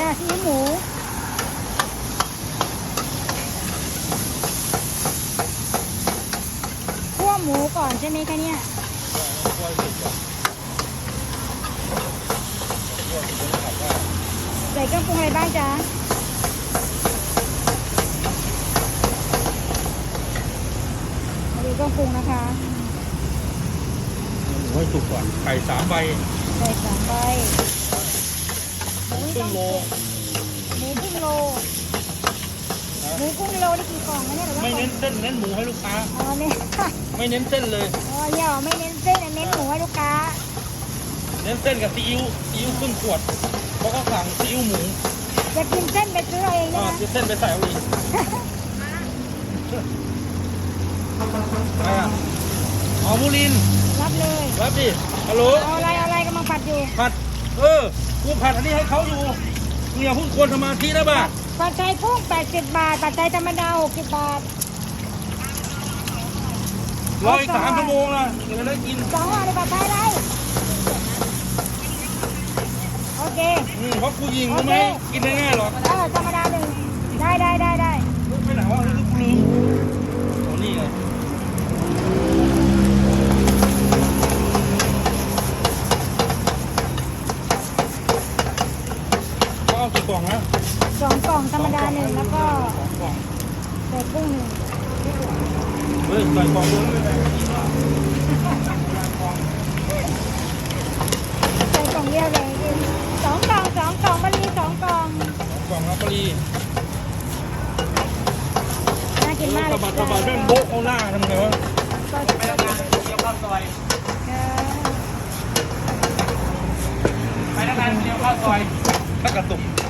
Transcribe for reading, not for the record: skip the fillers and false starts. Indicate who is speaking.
Speaker 1: ซีอิ๊วหมูคั่วหมูก่อนใช่ไหมคะเนี่ยใส่เครื่องปรุงอะไรบ้างจ๊ะมาดูเครื่องปรุงนะคะ
Speaker 2: หมูให้สุกก่อนไข่3 ใบ
Speaker 1: ใส่3 ใบ
Speaker 2: ครึ่งโล
Speaker 1: หมูครึ่งโลหมูครึ่งโลนี่กี่กล่องนะเนี่ยหรือว่า
Speaker 2: ไม่เน้นเส้นเน้นหมูให้ลูกค้า
Speaker 1: อ๋อเนี่ย
Speaker 2: ไม่เน้นเส้นเลย
Speaker 1: อ๋อเนี่ยไม่เน้นเส้นเน้นหมูให้ลูกค้า
Speaker 2: เน้นเส้นกับซีอิ๊วครึ่งขวดเพราะเขาสั่งซีอิ๊วหมู
Speaker 1: จะกินเส้นไปซื้อเอาเองใช่ไหม
Speaker 2: เส้นไปใส่เอาเองอะไรอ่ะอ๋อมูลิน
Speaker 1: รับเลย
Speaker 2: รับดิฮัลโหล
Speaker 1: เอาอะไรกำลังผัดอยู่
Speaker 2: ผัดกูผัดอันนี้ให้เขาอยู่มึงอย่าพูดควรสมาธินะบ้า
Speaker 1: ผัดไทยกุ้ง80 บาทผัดไทยธรรมดา60 บาท
Speaker 2: รออีก3 ชั่วโมงนะเดี๋ยวจะได้กิน
Speaker 1: 2 ห่อในผัดไทยอะไรโอเค
Speaker 2: เพราะกูยิงรู้ไหมกินง่ายๆหรอก
Speaker 1: ธรรมดา1ได้
Speaker 2: ลูกไปไหนวะลูกลืมโอ้นี่ไงก็เอากี่กล่องนะ
Speaker 1: 2 กล่องธรรมดา1แล้วก็
Speaker 2: 2 กล่อง
Speaker 1: ใส่กุ้ง1
Speaker 2: เฮ้ยใส่กล่องเลยไม่ได้
Speaker 1: ใส่กล่องเดียวเลย2 กล่องมันมี2 กล่อง
Speaker 2: กล่องรับปรี
Speaker 1: น่ากินมากเลย
Speaker 2: สะบัดแม่งโบ๊ะเอาหน้าทำไงวะ
Speaker 1: ไปทำงานเดียวข้าวซอย
Speaker 2: ไปทำงานเดียวข้าวซอยถ้ากระตุก